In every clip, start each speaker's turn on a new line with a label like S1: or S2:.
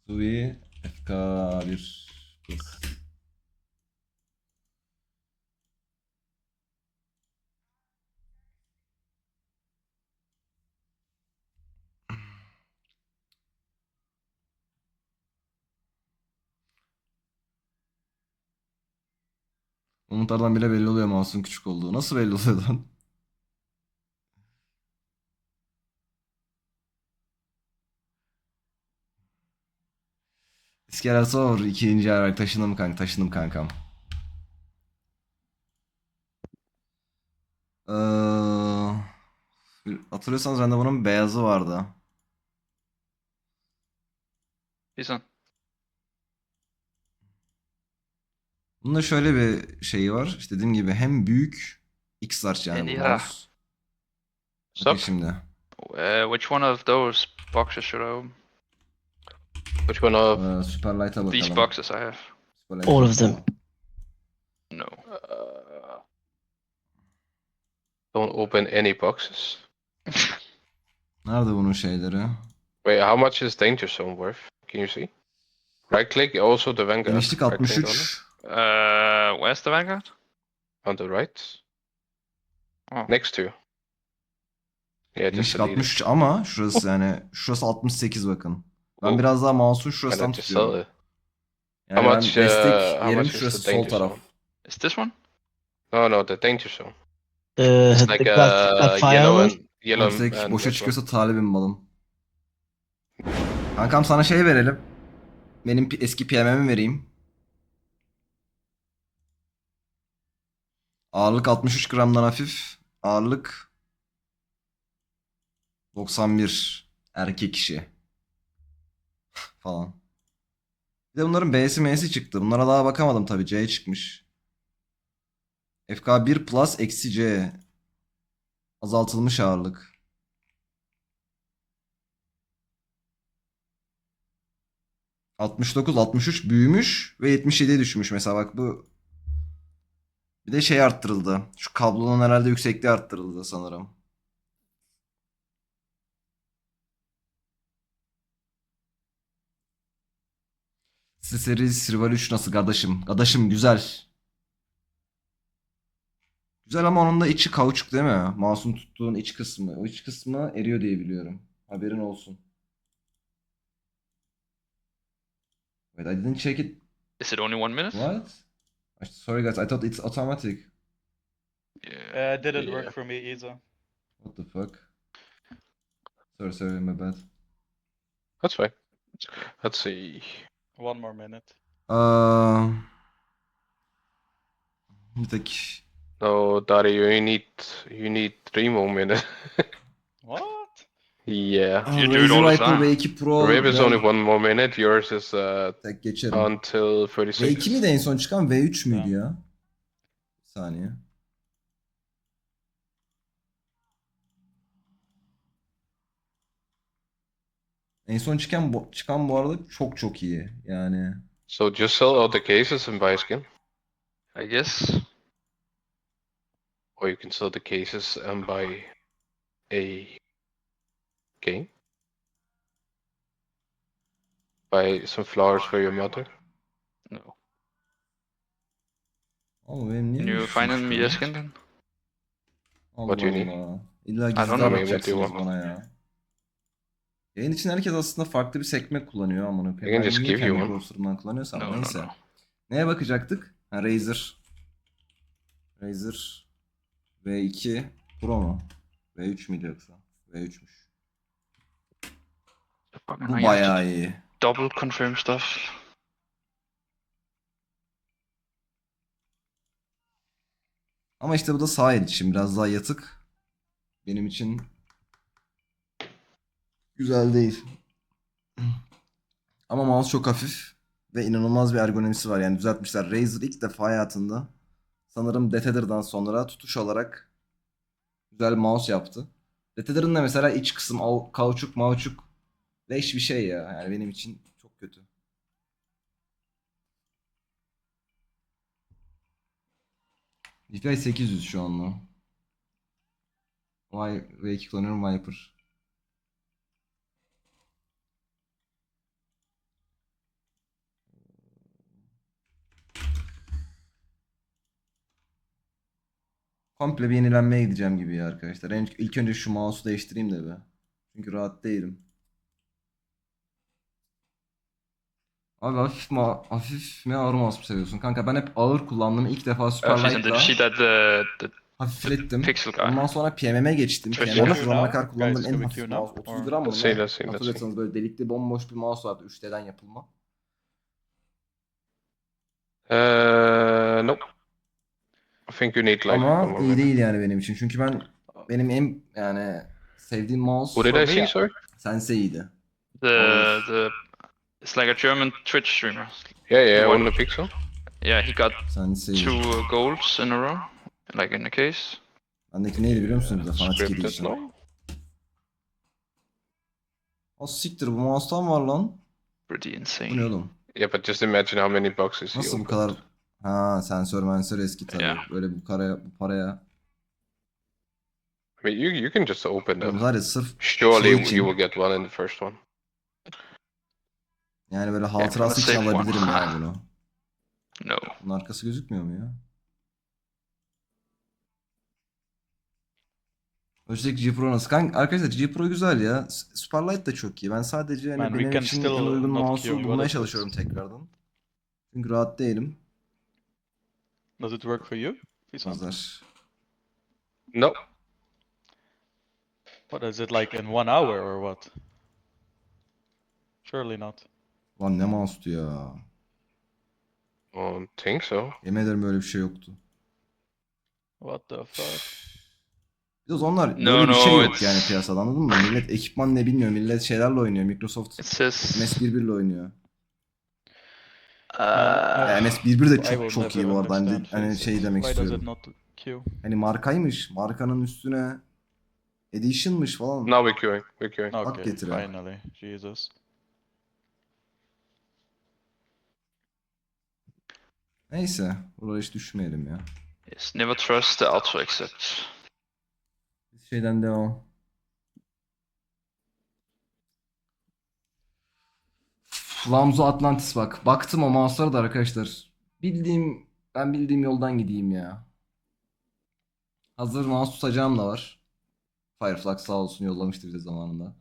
S1: TUI FK1 Plus. Umutlardan bile belli oluyor mouse'un küçük olduğu. Nasıl belli oluyor lan? İskele sor. İkinci olarak taşındım kanka. Taşındım kankam. Hatırlıyorsanız bende bunun beyazı vardı.
S2: This one.
S1: Bunda şöyle bir şeyi var. İşte dediğim gibi hem büyük X-Large yani bu
S2: Indira.
S1: mouse. Bakın
S3: Stop.
S1: şimdi.
S2: Which one of those boxes should I open?
S3: Which one of?
S1: Superlight'a
S2: These
S1: bakalım.
S2: boxes I have.
S1: Superlight'a
S4: All of
S1: bakalım.
S4: them.
S2: No.
S3: Don't open any boxes.
S1: Nerede bunun şeyleri?
S3: Wait, how much is Danger Zone worth? Can you see? Right click, also the Vanguard.
S1: Genişlik
S3: Right click on it.
S1: 63.
S2: Where's the Vanguard?
S3: On the right.
S2: Oh.
S3: Next to you. Yeah, just
S1: Genişlik
S3: delete it.
S1: 63 ama şurası yani şurası 68 bakın. Ben
S3: Oh.
S1: biraz daha mouse'un
S3: Why
S1: şurasından
S3: not just sell
S1: tutuyorum.
S3: it?
S1: Yani
S3: How
S1: ben
S3: much,
S1: destek
S3: how
S1: yerim
S3: much is
S1: şurası
S3: the
S1: sol
S3: Danger
S1: taraf.
S3: Zone?
S2: Is this one?
S3: No, the Danger Zone.
S4: The,
S3: It's
S4: the
S3: like
S4: graphite
S3: yellow
S4: one.
S3: and yellow
S1: Destek
S3: and
S1: boşa
S3: red one.
S1: çıkıyorsa talibim malım. Kankam sana şey verelim. Benim eski PM'mi vereyim. Ağırlık 63 gramdan hafif. Ağırlık 91. Erkek işi. Falan. Bir de bunların B'si M'si çıktı. Bunlara daha bakamadım tabii. C çıkmış. FK1 Plus eksi C. Azaltılmış ağırlık. ...69, 63 büyümüş ve 77'ye düşmüş. Mesela bak bu... Bir de şey arttırıldı. Şu kablonun herhalde yüksekliği arttırıldı sanırım. SteelSeries Rival 3 nasıl kardeşim? Kardeşim güzel. Güzel ama onun da içi kauçuk değil mi? Mouse'un tuttuğun iç kısmı. O iç kısmı eriyor diye biliyorum. Haberin olsun. Wait, I didn't check it.
S2: Is it only 1 minute?
S1: What? Sorry guys, I thought it's automatic.
S2: Yeah.
S5: Didn't
S3: Yeah.
S5: work for me either.
S1: What the fuck? Sorry, my bad.
S3: That's fine. Let's see.
S5: One more minute.
S1: Bir tek...
S3: No, Dari, you need 3 more minutes.
S5: What?
S3: Yeah.
S2: You do it all the
S1: Razer Viper
S2: time.
S1: V2 Pro...
S3: Rave is
S1: biraz
S3: only 1 more minute. Yours is
S1: tek geçerim.
S3: until
S1: V2 miydi
S3: 36.
S1: en son çıkan? V3 müydü
S5: Tamam.
S1: ya? Bir saniye. En son çıkan bu arada çok çok iyi. Yani...
S3: So just sell all the cases and buy a skin.
S2: I guess.
S3: Or you can sell the cases and buy a game. Buy some flowers for your mother.
S2: No.
S1: Ama benim niye
S2: Can you
S1: düşmüştü
S2: find me
S1: ya?
S2: a skin then?
S3: What do you need?
S1: Allah. İlla
S2: I don't
S1: gizli
S2: know.
S1: anlatacaksınız bana ya. Yayın için herkes aslında farklı bir sekme kullanıyor amına
S3: I can
S1: koyayım. Ben
S3: just
S1: niye
S3: give you
S1: kendi
S3: one.
S1: browser'ımdan kullanıyorsam
S2: No, no,
S1: neyse.
S2: no.
S1: Neye bakacaktık? Ha, Razer. Razer V2 Pro mu? V3 müydü yoksa? V3'müş.
S2: Fucking
S1: Bu
S2: hell, you have to
S1: bayağı iyi.
S2: double confirm stuff.
S1: Ama işte bu da sağ el için biraz daha yatık. Benim için güzel değil. Ama mouse çok hafif ve inanılmaz bir ergonomisi var. Yani düzeltmişler. Razer ilk defa hayatında sanırım Defender'dan sonra tutuş olarak güzel bir mouse yaptı. Defender'ın da mesela iç kısım kauçuk mauçuk leş bir şey ya. Yani benim için çok kötü. DPI 800 şu anda. V2 kullanıyorum Viper. komple bir yenilenmeye gideceğim gibi ya arkadaşlar. İlk önce şu mouse'u değiştireyim de be. Çünkü rahat değilim. Abi hafif mi ağır mouse mu seviyorsun? Kanka ben hep ağır kullandım. İlk defa
S2: Jason, did you see
S1: Superlight'la
S2: that the
S1: hafiflettim.
S2: pixel guy?
S1: Ondan sonra PMM'e geçtim.
S5: Twitch
S1: PMM
S5: Q
S1: şu zamana
S5: now?
S1: kadar kullandığım
S5: Guys,
S1: en
S5: can we
S1: hafif
S5: queue
S1: mouse.
S5: now?
S1: 30
S5: Or-
S1: gram mı
S3: Let's see,
S1: ne?
S3: let's see, let's see.
S1: Hatırlıyorsanız böyle delikli bomboş bir mouse vardı 3D'den yapılma.
S3: Nope. I think you need like one
S1: Ama
S3: more
S1: iyi
S3: minute.
S1: değil yani benim için. Çünkü benim en yani sevdiğim mouse
S3: Who did I see,
S2: me,
S3: sorry?
S1: Sensei'ydi.
S2: the it's like a German Twitch streamer.
S3: Yeah,
S2: What?
S3: on the Pixel.
S2: Yeah, he got
S1: Sensei.
S2: 2 golds in a row, like in the case.
S1: Bendeki neydi biliyor musunuz? Bir de Fanatic
S3: Scripted
S1: Edition.
S3: no?
S1: O siktir bu mouse'tan var lan.
S2: Pretty
S1: Bu ne
S2: insane.
S1: oğlum?
S3: Yeah, but just imagine how many boxes he
S1: Nasıl bu
S3: opened.
S1: kadar... Ha sensör eski tabii.
S2: Ya.
S1: Böyle bu paraya.
S3: I mean, you can just open
S1: Oğlum
S3: them.
S1: var ya sırf
S3: Surely
S1: şey için.
S3: you will get one in the first one.
S1: yani böyle hatırası için
S2: safe one.
S1: alabilirim ya bunu.
S2: No.
S1: Bunun arkası gözükmüyor mu ya? Logitech G Pro nasıl? Kanka, arkadaşlar G Pro güzel ya. Superlight da çok iyi. Ben sadece hani
S5: Man, we
S1: benim
S5: can
S1: için en
S5: still
S1: uygun
S5: not
S1: mouse'u
S5: queue.
S1: bulmaya
S5: What is
S1: çalışıyorum
S5: this?
S1: tekrardan. Çünkü rahat değilim.
S5: Does it work for you? Jason?
S1: Pazar.
S3: No.
S5: What is it like in 1 hour or what? Surely not.
S1: Lan ne mouse'tu ya.
S3: I don't think so.
S1: Yemin ederim böyle bir şey yoktu.
S5: What the fuck?
S1: Bir de o zamanlar
S2: No,
S1: böyle bir şey
S2: no,
S1: yok
S2: it's-
S1: yani piyasada anladın mı? Millet ekipman ne bilmiyor. Millet şeylerle oynuyor. Microsoft
S2: It says
S1: MS11 ile oynuyor.
S5: Man,
S1: MS11 de
S5: I will
S1: çok iyi
S5: never
S1: bu arada. Hani,
S5: understand
S1: hani
S5: faces.
S1: şey demek
S5: Why does it
S1: istiyorum.
S5: not queue?
S1: Hani markaymış. Markanın üstüne edition'mış falan.
S3: Now we're queuing. We're queuing.
S1: Hak
S5: Okay,
S1: getire.
S5: finally. Jesus.
S1: Neyse. Buraya hiç düşmeyelim ya.
S2: yes, never trust the auto exit.
S1: Biz şeyden devam. Lamzo Atlantis bak. Baktım o mouse'lara da arkadaşlar. Ben bildiğim yoldan gideyim ya. Hazır mouse tutacağım da var. Fireflux sağ olsun yollamıştı bize zamanında.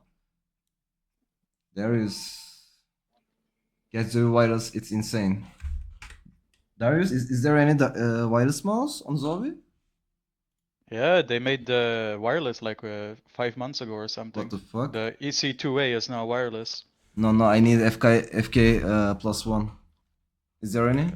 S1: Darius. Get the virus, it's insane. Darius, is there any wireless mouse on Zowie?
S5: Yeah, they made the wireless like 5 months ago or something.
S1: What the fuck?
S5: The EC2A is now wireless.
S1: No, I need FK plus one. Is there any?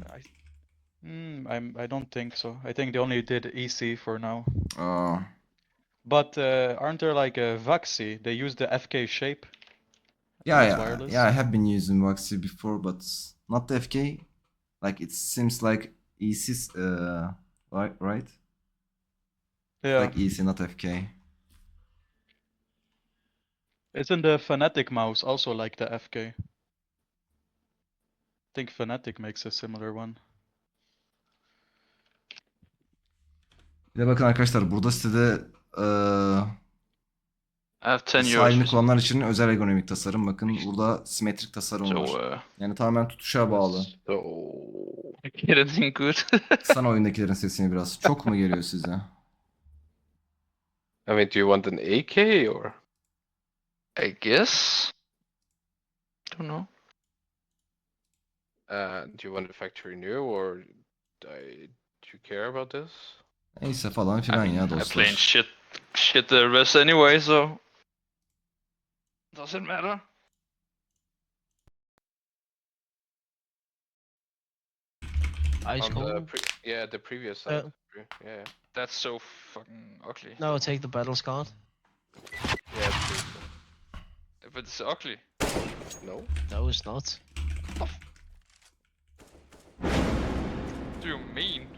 S5: I don't think so. I think they only did EC for now.
S1: Oh.
S5: But aren't there like a Vaxi? They use the FK shape.
S1: Yeah,
S5: It's
S1: yeah,
S5: wireless.
S1: yeah. I have been using Waxy before, but not the FK. Like it seems like EC, right?
S5: Yeah.
S1: Like EC, not FK.
S5: Isn't the Fnatic mouse also like the FK? I think Fnatic makes a similar one.
S1: Bir de bakın arkadaşlar burada sitede
S2: I have 10 euros.
S1: sahilini
S2: Jason.
S1: kullananlar için özel ergonomik tasarım. Bakın burada simetrik tasarım
S2: So
S1: var. Yani tamamen tutuşa bağlı.
S3: So
S2: get anything good?
S1: Sana oyundakilerin sesini biraz. Çok mu geliyor size?
S3: I mean, do you want an AK or?
S2: I guess. Don't know.
S3: Do you want a factory new or do you care about this?
S1: Neyse falan
S2: I
S1: filan
S2: mean,
S1: ya
S2: I playing
S1: dostlar.
S2: shit the rest anyway, so doesn't matter.
S4: Ice
S3: On the
S4: cold.
S3: yeah, the previous
S4: Yeah.
S3: side. Yeah,
S2: That's so fucking ugly.
S4: No, take the battle scar.
S3: yeah, it's pretty
S2: If it's ugly.
S3: cool. No.
S4: No, it's not.
S2: What do you mean?